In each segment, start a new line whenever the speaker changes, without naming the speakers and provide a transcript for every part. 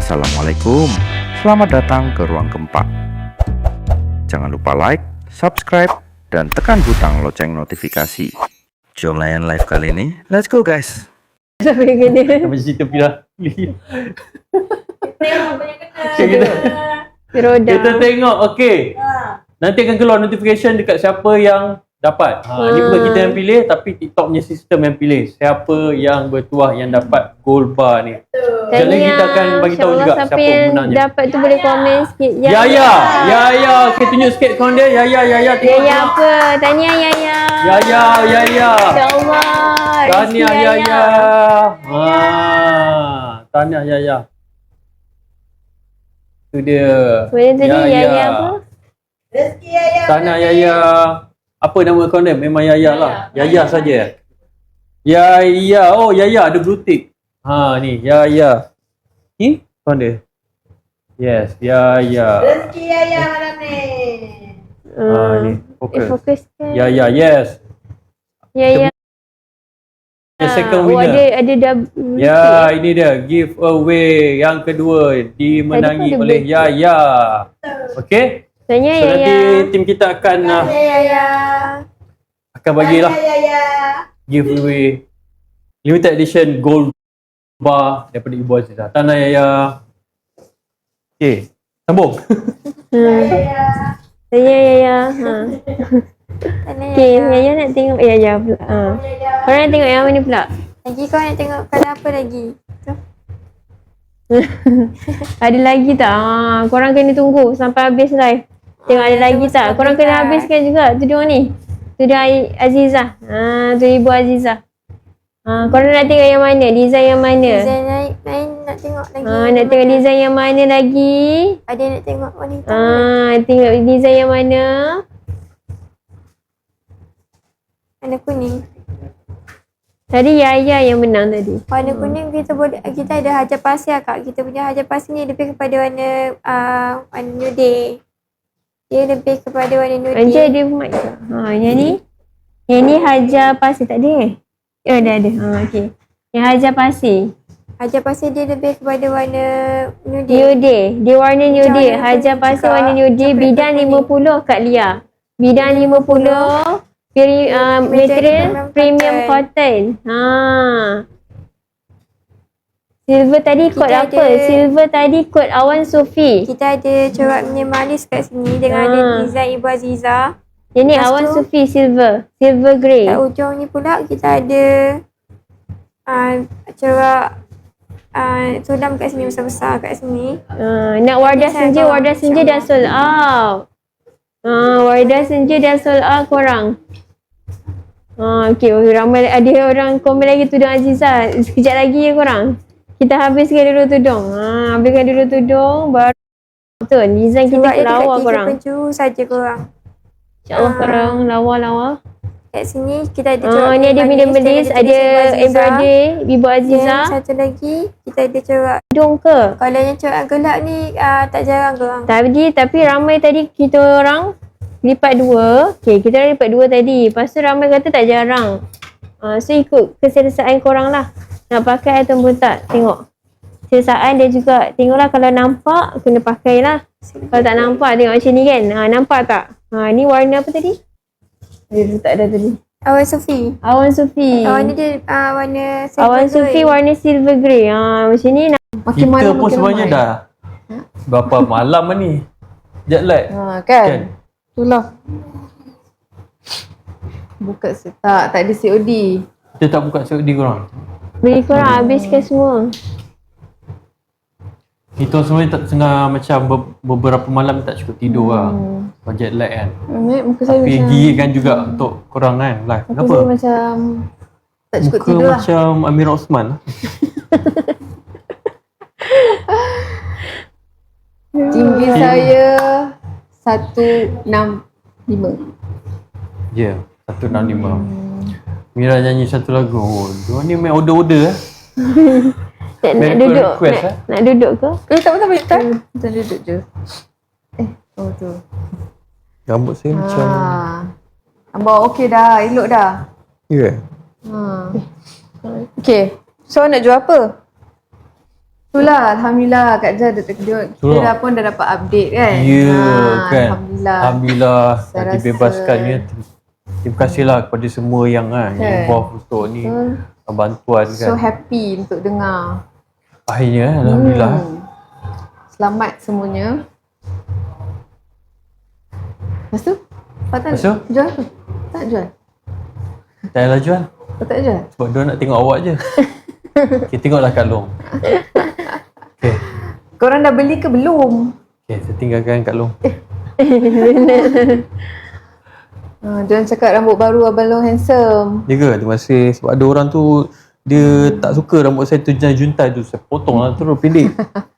Assalamualaikum, selamat datang ke Ruang Gempa. Jangan lupa like, subscribe, dan tekan butang lonceng notifikasi. Jom layan live kali ini, let's go guys.
Sampai kena.
Sampai cerita Pira.
Tengok banyak kena.
Roda.
Kita tengok, okey. Nanti akan keluar notification dekat siapa yang dapat. Ni bukan kita yang pilih, tapi TikTok punya sistem yang pilih. Siapa yang bertuah yang dapat gold bar ni. Sekali lagi kita akan bagi tahu juga siapa pemenangnya.
Dapat tu boleh komen sikit.
Yaya. Okey, tunjuk sikit kawan dia. Yaya. Tengok.
Yaya apa? Tahniah Yaya.
Yaya.
InsyaAllah.
Tahniah Yaya. Tahniah Yaya. Tu dia.
Boleh tadi Yaya apa?
Rezeki Yaya.
Tahniah Yaya. Apa nama akaun dia? Memang Yaya lah. Yaya saja. Yaya. Oh, Yaya ada blue tick. Ni Yaya. Ni akaun dia. Yes, Yaya.
Rezeki Yaya malam ni.
Ni fokus.
Fokuskan.
Yaya, yes.
Yaya.
The second winner.
Ada double.
Ya, ini dia giveaway yang kedua dimenangi
Tadi pun ada
oleh
blue
Yaya. Okey?
Tahniah
So
Yaya.
nanti tim kita akan
Yaya.
bagilah
Yaya.
giveaway limited edition gold bar daripada Ibu Azizah. Tahniah Yaya. Okey, sambung.
Yaya.
Tahniah Yaya. Okay, Yaya nak tengok Yaya pula. Korang nak tengok yang mana pula?
Lagi kau nak tengok kalau apa lagi?
Ada lagi tak? Korang kena tunggu sampai habis live. Tengok ada lagi tak? Korang kena habiskan juga tudung ni. Tudung Azizah. Tu Ibu Azizah. Korang nak tengok yang mana? Design yang mana?
Design lain nak tengok lagi.
Nak tengok design yang mana lagi?
Ada yang nak tengok wanita.
Tengok design yang mana?
Warna kuning.
Tadi Yaya yang menang tadi.
Warna kuning kita ada hajar pasir kak. Kita punya hajar pasir ni lebih kepada warna nude. Dia lebih kepada warna nude.
Anjay ada mic tak? Yang ni hajar pasir tak ada ada. Okey. Yang hajar pasir.
Hajar pasir dia lebih kepada warna nude.
Nude. Dia warna nude.
warna
Hajar
kuning
pasir
juga.
warna nude.
Coklat
Bidang
kuning.
50 Kak Lia. Bidang 50. Material premium cotton. Silver tadi kod
Kita
apa?
ada-
Silver tadi kod Awan Sufi.
Kita ada corak minimalis kat sini dengan ada design Ibu Azizah.
Yang ni
Lepas
Awan
tu-
Sufi silver. Silver grey.
Kat ujung ni pula kita ada corak sodam kat sini besar-besar kat sini.
Nak wardah
Design
senja,
bawah,
wardah senja dah
insyaAllah.
sold out. Wardah senja dah sold out korang. Okay, ramai ada orang komen lagi tudung Azizah. Sekejap lagi ya korang. Kita habiskan dulu tudung. Habiskan dulu tudung baru betul. Design kita
Sebab dia
lawa
dekat 3
korang.
penjuru saja korang.
InsyaAllah korang lawa-lawa.
Kat sini kita ada corak
Ni ada minimalis, ada
embroidery.
embroidery Ibu
Dan
Azizah.
satu lagi kita ada corak.
Tudung ke?
Kalau yang corak gelap ni tak jarang korang.
Tapi ramai tadi kita orang lipat 2. Okay, kita orang lipat 2 tadi. Lepas tu ramai kata tak jarang. So ikut keselesaan korang lah. Nak pakai ataupun tak. Tengok. Keselesaan dia juga. Tengoklah kalau nampak, kena pakai lah. Kalau tak nampak, tengok macam ni kan. Nampak tak? Ni warna apa tadi? Dia tak ada tadi.
Awan Sufi.
Awan Sufi.
Warna dia warna silver
Awan Sufi
grey.
warna silver grey. Macam ni nak.
Kita pun sebenarnya dah berapa malam ni. Jet lag.
Kan? Itulah. Buka tak ada COD.
Kita tak buka COD korang.
Beli korang habiskan semua.
Kita sebenarnya tak tengah macam beberapa malam tak cukup tidur lah. Sebab jet lag kan.
Muka saya
Tapi
macam
gigikan juga untuk korang kan live.
muka
Kenapa?
saya macam tak cukup
Muka
tidur lah.
macam Amir Osman lah.
Tinggi saya 165.
Ya, 165. Mira nyanyi satu lagu. Oh, dia ni main order-order lah.
Nak
Medical
duduk?
request,
Nak duduk ke?
Tak apa. Kita duduk je. Tu.
Rambut saya macam...
Abang okey dah, elok dah.
Ya.
Okay. So nak jual apa? Itulah, Alhamdulillah Kak Jah kita dah pun dah dapat update kan.
Ya kan.
Alhamdullah.
Alhamdullah
Saya
dah
rasa-
dibebaskan ya. Terima kasihlah kepada semua yang involved untuk ni bantuan
So
kan.
happy untuk dengar.
Akhirnya alhamdulillah.
Selamat semuanya. Lepas tu?
Lepas tu?
Jual apa? Tak jual?
Tak payahlah jual.
Tak jual?
Sebab dia nak tengok awak je. Okay, tengoklah Kak Long. Okay.
Korang dah beli ke belum?
Okay, saya tinggalkan Kak Long.
Jangan cakap rambut baru Abang Long handsome.
Ya ke? Terima kasih. Sebab ada orang tu dia tak suka rambut saya tu juntai tu. Saya potong lah terus pendek.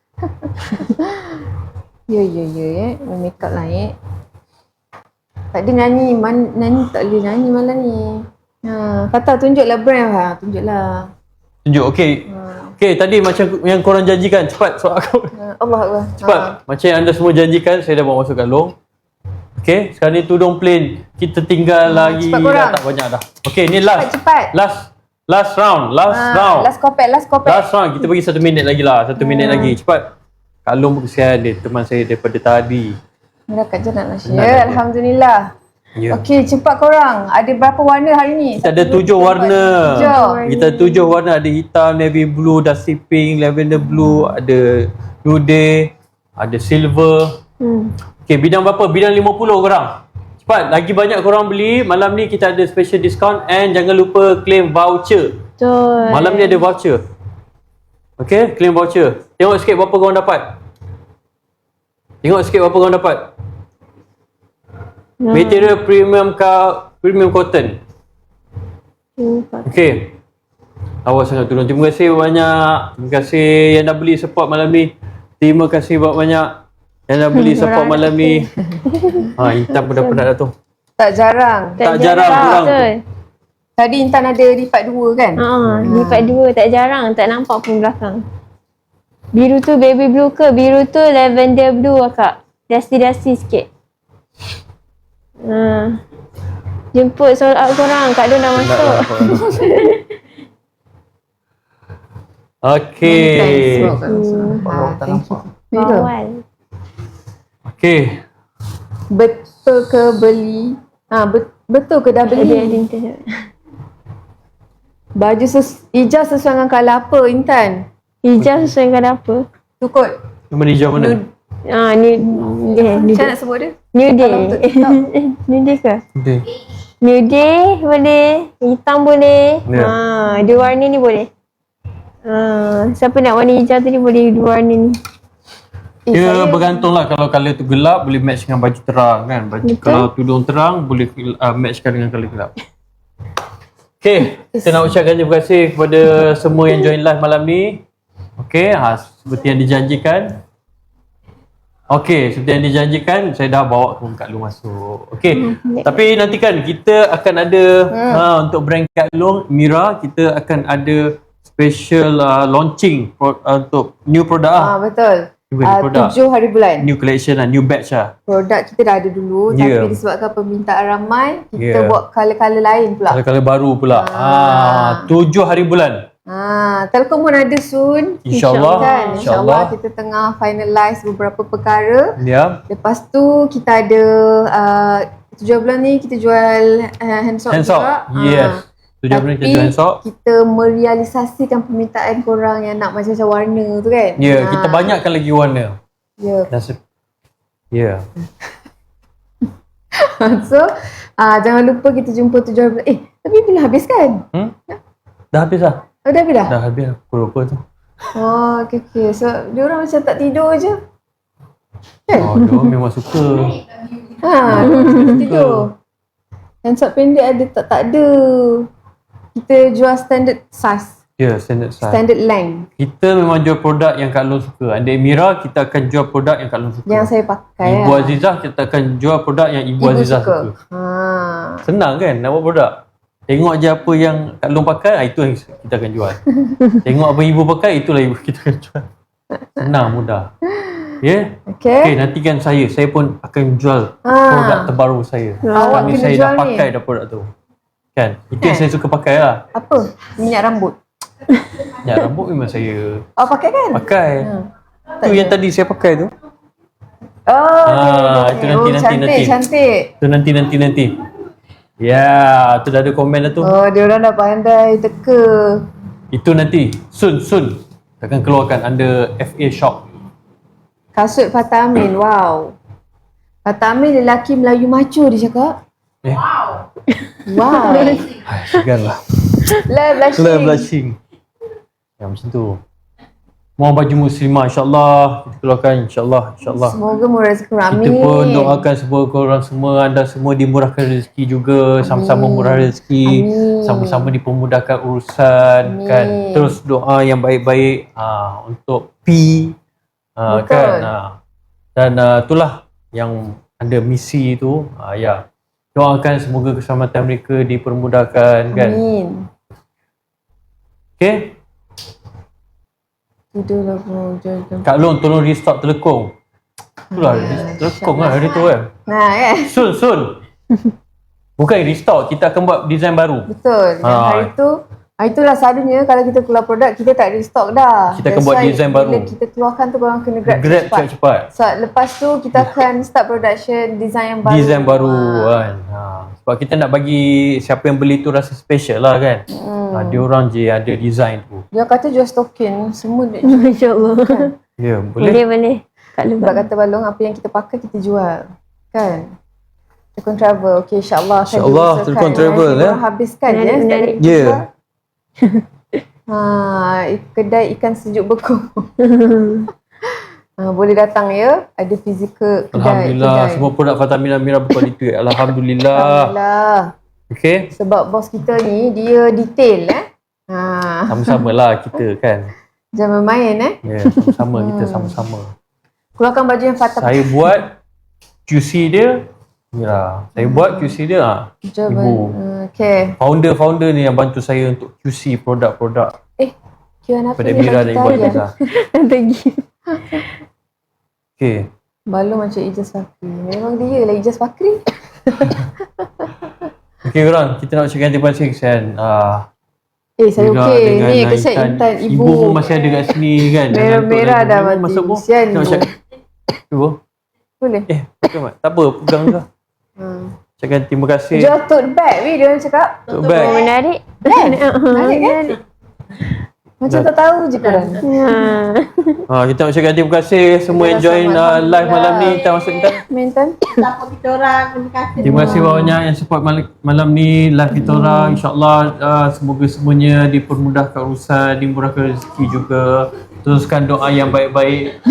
Ya. Make up lah Tak ada nyanyi. Nyanyi tak boleh nyanyi malam ni. Kata tunjuklah brand. Tunjuklah.
Tunjuk. Okay. Okay, tadi macam yang korang janjikan. Cepat soal aku.
Allah Allah.
Cepat. Macam yang anda semua janjikan, saya dah bawa masuk Kak Long. Okay, sekarang ni tudung plain. Kita tinggal lagi
cepat korang.
dah tak banyak dah. Okay, ni last.
Cepat.
Last round. Last round.
Last kopek.
Last round. Kita bagi 1 minit lagi lah. 1 minit lagi. Cepat. Kak Long pun kesian dia. Teman saya daripada tadi.
Mira Kak Jah nak
Nak
share. Alhamdulillah.
Ya.
Okey, cepat korang. Ada berapa warna hari ni?
Kita ada 7 warna.
7.
Kita 7 warna. Ada hitam, navy blue, dusty pink, lavender blue, ada nude, ada silver. Okay, bidang berapa? Bidang 50 korang. Cepat, lagi banyak korang beli. Malam ni kita ada special discount and jangan lupa claim voucher.
Betul.
Malam ni ada voucher. Okay, claim voucher. Tengok sikit berapa korang dapat. Tengok sikit berapa korang dapat. Material premium cotton. Okay. Awak sangat turun. Terima kasih banyak. Terima kasih yang dah beli support malam ni. Terima kasih banyak yang dah beli support malam ni. Intan pun dah penat dah tu.
Tak jarang.
Tak jarang kurang.
Betul.
Tadi Intan ada lipat 2 kan?
Lipat 2 tak jarang. Tak nampak pun belakang. Biru tu baby blue ke? Biru tu lavender blue akak. Dusty sikit. Jemput sold out korang. Kak Don dah masuk.
Okay.
Thank you.
Bawal.
Okay.
Betul ke beli? Betul ke dah
Ada
beli?
internet.
Baju hijau sesuai dengan colour apa Intan?
Hijau sesuai dengan apa?
Tu kot.
Nama hijau mana?
New day.
Macam nak sebut dia?
New day.
Kalau untuk TikTok.
New day ke?
Okay.
New day boleh. Hitam boleh.
Ya.
Dua warna ni boleh. Siapa nak warna hijau tadi boleh dua warna ni.
Dia bergantung lah. Kalau colour tu gelap boleh match dengan baju terang kan. Kalau tudung terang boleh matchkan dengan colour gelap. Okay, kita nak ucapkan terima kasih kepada semua yang join live malam ni. Okay, seperti yang dijanjikan. Okay, seperti yang dijanjikan, saya dah bawa Kak Long masuk. Okay, tapi nanti kan kita akan ada untuk brand Kak Long, Mira, kita akan ada special launching untuk new produk lah.
Betul.
Produk.
7 hari bulan.
New collection lah, new batch lah.
Produk kita dah ada dulu tapi disebabkan permintaan ramai, kita buat colour-colour lain pula.
Colour-colour baru pula. 7 hari bulan.
Telkom pun ada soon.
InsyaAllah.
Kan? InsyaAllah kita tengah finalize beberapa perkara.
Ya.
Lepas tu kita ada 7 bulan ni kita jual hand soap juga.
Yes. 7 bulan kita jual hand soap.
Kita merealisasikan permintaan korang yang nak macam-macam warna tu kan.
Ya, kita banyakkan lagi warna.
Ya.
Ya.
So jangan lupa kita jumpa 7 bulan. Tapi bila habis kan?
Dah habis lah.
Dah habis dah?
Dah habis lah. Pukul berapa tu?
Okay. So diorang macam tak tidur je. Kan?
Diorang memang suka.
Tidur. Hand soap pendek ada tak ada. Kita jual standard size.
Ya, standard size.
Standard length.
Kita memang jual produk yang Kak Long suka. Anda Mira, kita akan jual produk yang Kak Long suka.
Yang saya pakai
Ibu Azizah, kita akan jual produk yang Ibu Azizah suka. Senang kan nak buat produk? Tengok je apa yang Kak Long pakai, itu yang kita akan jual. Tengok apa ibu pakai, itulah ibu kita akan jual. Senang, mudah. Ya? Okay, nantikan saya pun akan jual produk terbaru saya.
Awak
Ni
kena
saya
jual
dah
ni.
pakai dah produk tu. Kan? Itu yang saya suka pakai lah.
Apa? Minyak rambut.
Ya, rambut memang saya
Oh, pakai kan?
pakai. Tu yang tadi saya pakai tu.
Oh,
Itu nanti.
Cantik.
Tu nanti. Ya, tu dah ada komen dah tu.
Oh, dia orang dah pandai teka.
Itu nanti. Soon. Akan keluarkan under FA Shop.
Kasut Fatah Amin. Wow. Fatah Amin lelaki Melayu macho dia cakap. Wow.
Segan lah.
Love
Blushing. Ya, macam tu. Mau baju muslimah, insyaAllah. Kita keluarkan, insyaAllah.
Semoga murah rezeki. Amin.
Kita pun doakan semoga korang semua, anda semua dimurahkan rezeki juga, sama-sama murah rezeki,
Amin.
sama-sama dipermudahkan urusan,
Amin.
kan. Terus doa yang baik-baik untuk P,
Betul.
kan. Dan itulah yang ada misi tu, ya. Doakan semoga keselamatan mereka dipermudahkan, kan.
Amin.
Okay.
Tidurlah bro.
Kak Long tolong restock telekong. Itulah telekong lah hari tu kan.
Nah kan.
Soon. Bukan restock, kita akan buat design baru.
Betul. Dan hari tu lah selalunya kalau kita keluar produk kita tak restock dah.
Kita akan buat design baru.
Bila kita keluarkan tu korang kena grab
cepat.
So lepas tu kita akan start production design yang baru.
Design baru kan. Sebab kita nak bagi siapa yang beli tu rasa special lah kan. Dia orang je ada design tu.
Dia kata jual token semua dia.
Masya Allah.
Ya, boleh.
Boleh. Kak
Sebab
Lebak.
kata Balong apa yang kita pakai kita jual. Kan? Telekon travel. Okay, insyaAllah.
InsyaAllah, Telekon travel,
Korang habiskan ya.
Menarik.
Ya.
Kedai ikan sejuk beku. Boleh datang ya. Ada fizikal kedai.
Alhamdulillah, semua produk Fatamina Mira berkualiti. Alhamdulillah.
Alhamdulillah.
Okay.
Sebab bos kita ni dia detail
Sama-sama lah kita kan.
Jangan main
Ya, sama-sama kita sama-sama.
Keluarkan baju yang Fatah.
Saya buat QC dia. Ya, saya buat QC dia. Ibu.
Okay.
Founder ni yang bantu saya untuk QC produk-produk
Kian apa
pada
ni?
Mira dan Ibu Aziza.
Lagi.
Okay.
Balong macam Ijaz Fakri. Memang dia lah Ijaz Fakri.
Okay korang, kita nak ucapkan terima kasih kan.
Saya
Mira
okey.
dengan
Ni kesan Intan
Ibu pun masih ada kat sini kan.
Merah-merah dah mati.
Masuk pun.
Kesian
Nak
Ibu.
ucap. Ibu.
Boleh.
Bukan Mat. Tak apa, pegang je. Ucapkan terima kasih.
Jual tote bag weh dia orang cakap.
Tote bag.
Menarik.
Menarik kan? Macam tak tahu je korang.
Kita nak ucapkan terima kasih semua yang join live malam ni. Kita masuk Intan.
Mentan.
Support kita orang. Terima kasih.
Terima kasih banyak yang support malam ni live kita orang. InsyaAllah semoga semuanya dipermudahkan urusan, dimurahkan rezeki juga. Teruskan doa yang baik-baik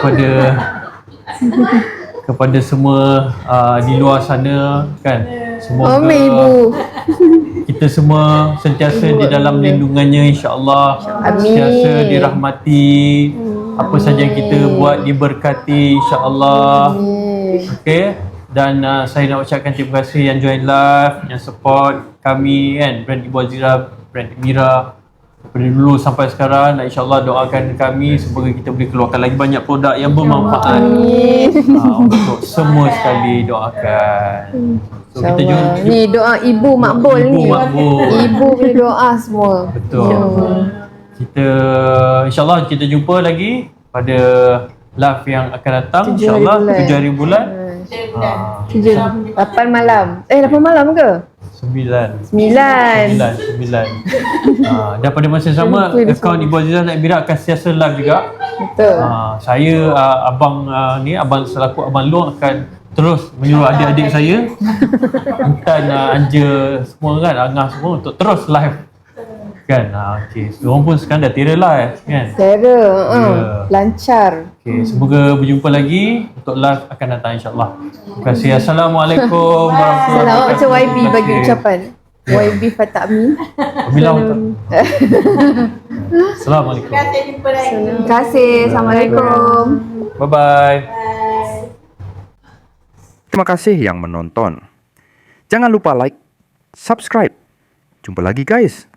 kepada semua di luar sana kan. Semoga
Amin Ibu.
kita semua sentiasa di dalam lindungannya insya-Allah.
Amin.
Sentiasa dirahmati. Apa saja yang kita buat diberkati insya-Allah. Okey. Dan saya nak ucapkan terima kasih yang join live, yang support kami kan, brand Ibu Aziza, brand Mira. Daripada dulu sampai sekarang, insya-Allah doakan kami semoga kita boleh keluarkan lagi banyak produk yang bermanfaat. Untuk semua sekali doakan. So kita jumpa.
Ni doa Ibu Makbul
Ibu
ni.
Makbul.
Ibu punya doa semua.
Betul. Kita insya-Allah kita jumpa lagi pada live yang akan datang
7 hari
insya-Allah
bulan.
7 hari bulan.
8 malam. 8 malam ke?
9.
9.
Dan pada masa yang sama akaun Ibu Aziza dan Mira akan sentiasa live juga.
Betul.
Saya abang selaku abang Long akan terus menyuruh adik-adik saya Intan, Anja semua kan, Angah semua untuk terus live kan. Okey, diorang pun sekarang dah tira live kan.
Cara
Ya.
lancar.
Okey, semoga berjumpa lagi untuk live akan datang insya-Allah. Terima kasih. Assalamualaikum warahmatullahi
Selamat
wabarakatuh.
macam YB bagi ucapan. YB Fatah Amin.
Assalamualaikum.
Terima kasih. Jumpa lagi.
Terima kasih. Assalamualaikum.
Bye bye.
Terima kasih yang menonton. Jangan lupa like, subscribe. Jumpa lagi guys.